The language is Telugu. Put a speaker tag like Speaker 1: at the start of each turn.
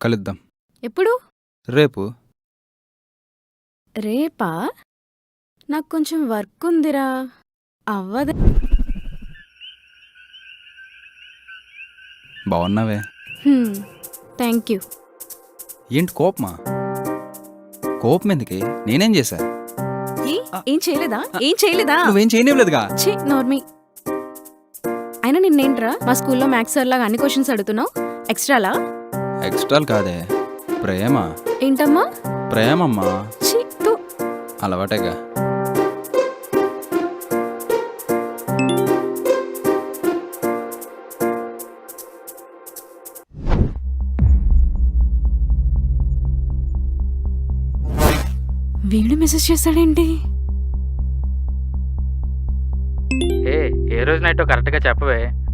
Speaker 1: కలుద్దాం.
Speaker 2: ఎప్పుడు?
Speaker 1: రేపు.
Speaker 2: రేపా? నాకు కొంచెం వర్క్ ఉందిరా. అవ్వదు.
Speaker 1: బాగున్నావే.
Speaker 2: Thank you.
Speaker 1: ఏంటి కోపమా? కోపం ఎందుకే? నేనేం చేశా?
Speaker 2: ఏం చేయలేదా? ఏం చేయలేదా?
Speaker 1: నువ్వేం చేయనివ్వలేదుగా.
Speaker 2: ఛీ, నార్మీ. అయినా నిన్నేంట్రా మా స్కూల్లో మ్యాథ్స్ సార్ లాగా అన్ని క్వశ్చన్స్ అడుగుతున్నావు? ఎక్స్ట్రాలా?
Speaker 1: ఎక్స్ట్రాలు కాదే, ప్రేమ.
Speaker 2: ఏంటమ్మా?
Speaker 1: ప్రేమమ్మా.
Speaker 2: ఛీ, తు.
Speaker 1: అలవాటేగా.
Speaker 2: వీడు మెసేజ్ చేస్తాడేంటి?
Speaker 3: ఏ రోజు నైట్ కరెక్ట్గా చెప్పవే.